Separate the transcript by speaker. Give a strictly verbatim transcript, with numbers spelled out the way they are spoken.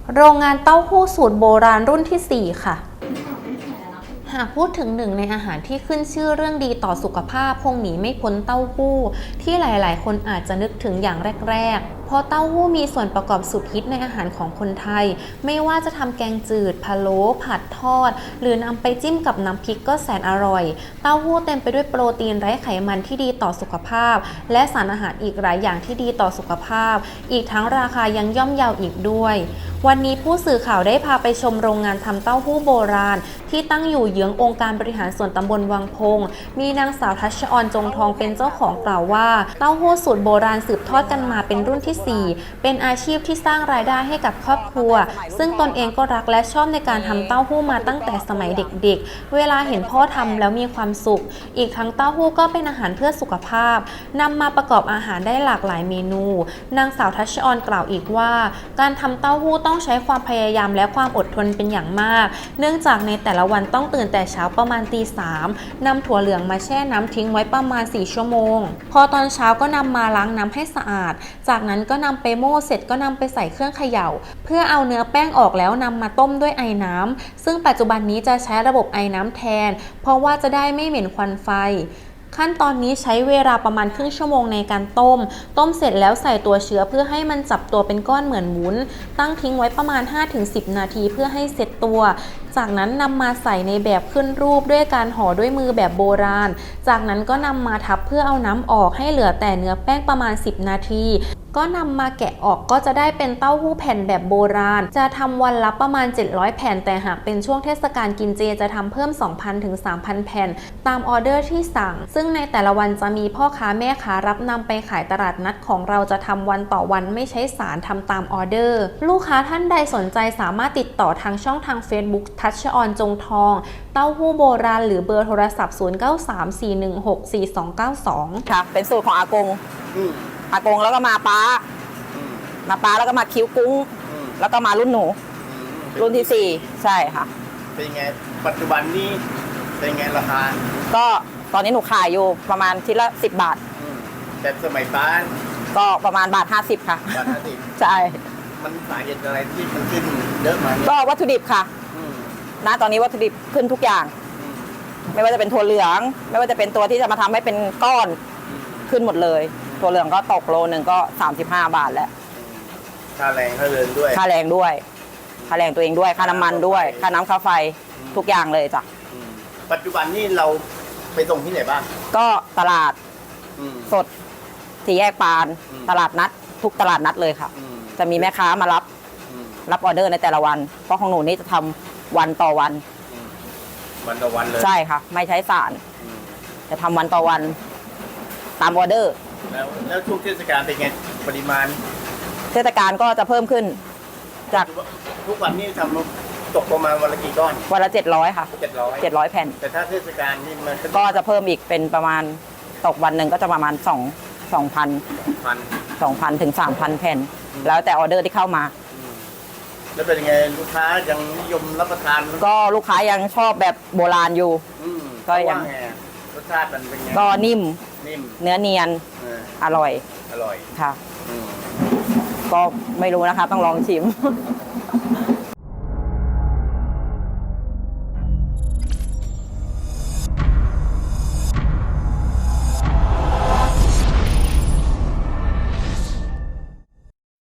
Speaker 1: โรงงานเต้าหู้สูตรโบราณรุ่นที่สี่ค่ะหากพูดถึงหนึ่งในอาหารที่ขึ้นชื่อเรื่องดีต่อสุขภาพคงหนีไม่พ้นเต้าหู้ที่หลายๆคนอาจจะนึกถึงอย่างแรกๆเพราะเต้าหู้มีส่วนประกอบสุดฮิตในอาหารของคนไทยไม่ว่าจะทำแกงจืดพะโล้ผัดทอดหรือนำไปจิ้มกับน้ำพริกก็แสนอร่อยเต้าหู้เต็มไปด้วยโปรตีนไร้ไขมันที่ดีต่อสุขภาพและสารอาหารอีกหลายอย่างที่ดีต่อสุขภาพอีกทั้งราคายังย่อมเยาอีกด้วยวันนี้ผู้สื่อข่าวได้พาไปชมโรงงานทำเต้าหู้โบราณที่ตั้งอยู่เยื้ององค์การบริหารส่วนตำบลวังพงมีนางสาวทัชออนจงทองเป็นเจ้าของกล่าวว่าเต้าหู้สูตรโบราณสืบทอดกันมาเป็นรุ่นที่สี่เป็นอาชีพที่สร้างรายได้ให้กับครอบครัวซึ่งตนเองก็รักและชอบในการทำเต้าหู้มาตั้งแต่สมัยเด็กๆเวลาเห็นพ่อทำแล้วมีความสุขอีกทั้งเต้าหู้ก็เป็นอาหารเพื่อสุขภาพนำมาประกอบอาหารได้หลากหลายเมนูนางสาวทัชออนกล่าวอีกว่าการทำเต้าหู้ต้องใช้ความพยายามและความอดทนเป็นอย่างมากเนื่องจากในแต่ละวันต้องตื่นแต่เช้าประมาณตีสามนำถั่วเหลืองมาแช่น้ำทิ้งไว้ประมาณสี่ชั่วโมงพอตอนเช้าก็นำมาล้างน้ำให้สะอาดจากนั้นก็นำไปโม่เสร็จก็นำไปใส่เครื่องเขย่าเพื่อเอาเนื้อแป้งออกแล้วนำมาต้มด้วยไอน้ำซึ่งปัจจุบันนี้จะใช้ระบบไอน้ำแทนเพราะว่าจะได้ไม่เหม็นควันไฟขั้นตอนนี้ใช้เวลาประมาณครึ่งชั่วโมงในการต้มต้มเสร็จแล้วใส่ตัวเชื้อเพื่อให้มันจับตัวเป็นก้อนเหมือนวุ้นตั้งทิ้งไว้ประมาณ ห้าถึงสิบ นาทีเพื่อให้เสร็จตัวจากนั้นนำมาใส่ในแบบขึ้นรูปด้วยการห่อด้วยมือแบบโบราณจากนั้นก็นำมาทับเพื่อเอาน้ำออกให้เหลือแต่เนื้อแป้งประมาณสิบนาทีก็นำมาแกะออกก็จะได้เป็นเต้าหู้แผ่นแบบโบราณจะทำวันละประมาณเจ็ดร้อยแผ่นแต่หากเป็นช่วงเทศกาลกินเจจะทำเพิ่ม สองพัน ถึง สามพัน แผ่นตามออเดอร์ที่สั่งซึ่งในแต่ละวันจะมีพ่อค้าแม่ค้ารับนำไปขายตลาดนัดของเราจะทำวันต่อวันไม่ใช้สารทำตามออเดอร์ลูกค้าท่านใดสนใจสามารถติดต่อทางช่องทาง Facebook ทัชออนจงทองเต้าหู้โบราณหรือเบอร์โทรศัพท์ศูนย์ เก้า สาม สี่ หนึ่ง หก สี่ สอง เก้า สอง
Speaker 2: ค่ะเป็นสูตรของอากงอากงแล้วก็มาป้ามาป้าแล้วก็มาคิ้วกุ้งแล้วก็มารุ่นหนูรุ่นที่สี่ใช่ค่ะ
Speaker 3: เป็นไงปัจจุบันนี้เป็นไงราคา
Speaker 2: ก็ตอนนี้หนูขายอยู่ประมาณทีละสิบบาท
Speaker 3: แต่สมัยป้า
Speaker 2: ก็ประมาณบาทห้าสิบค่ะ
Speaker 3: บาทห้าสิบ
Speaker 2: ใช่
Speaker 3: มันสาเหตุอะไรที่มันขึ้นเยอะมา
Speaker 2: ก็วัตถุดิบค่ะณตอนนี้วัตถุดิบขึ้นทุกอย่างไม่ว่าจะเป็นถั่วเหลืองไม่ว่าจะเป็นตัวที่จะมาทำให้เป็นก้อนขึ้นหมดเลยถั่วเหลืองก็ตกโลนึงก็สามสิบห้าบาทแล้ว
Speaker 3: ค่าแรงค่าเรือนด้วย
Speaker 2: ค่าแรงด้วยค่าแรงตัวเองด้วยค่าน้ำมันด้วยค่าน้ำค่าไฟทุกอย่างเลยจ้ะ
Speaker 3: ปัจจุบันนี้เราไปส่งที่ไหนบ้าง
Speaker 2: ก็ตลาดสดสี่แยกปานตลาดนัดทุกตลาดนัดเลยค่ะจะมีแม่ค้ามารับรับออเดอร์ในแต่ละวันเพราะของหนูนี่จะทำวันต่อวัน
Speaker 3: วันต่อวันเลย
Speaker 2: ใช่ค่ะไม่ใช้สารจะทำวันต่อวันตามออเดอร์
Speaker 3: แล้วแล้วช่วงเทศกาลเป็นไงปริมาณ
Speaker 2: เทศกาลก็จะเพิ่มขึ้นจาก
Speaker 3: ทุกวันนี้ทำตกประมาณวันละกี่ก้อน
Speaker 2: วันละเจ็ดร้อยค่ะ
Speaker 3: เจ็ดร้อย
Speaker 2: เจ็ดร้อยแผ่น
Speaker 3: แต่ถ้าเทศกาลนี่มัน
Speaker 2: ก็จะเพิ่มอีกเป็นประมาณตกวันหนึ่งก็จะประมาณสองสองพัน
Speaker 3: พัน
Speaker 2: สองพันถึงสามพันแผ่นแล้วแต่ออเดอร์ที่เข้ามา
Speaker 3: แล้วเป็นยังไงลูกค้ายังนิยมรับประทาน
Speaker 2: ก็ลูกค้ายังชอบแบบโบราณอยู่
Speaker 3: ก็ยังรสชาติมันเป็นไง
Speaker 2: ก็นิ่ม
Speaker 3: นิ่ม
Speaker 2: เนื้อเนียนอร่อย
Speaker 3: อร่อย
Speaker 2: ค่ะก็ไม่รู้นะคะต้องลองชิม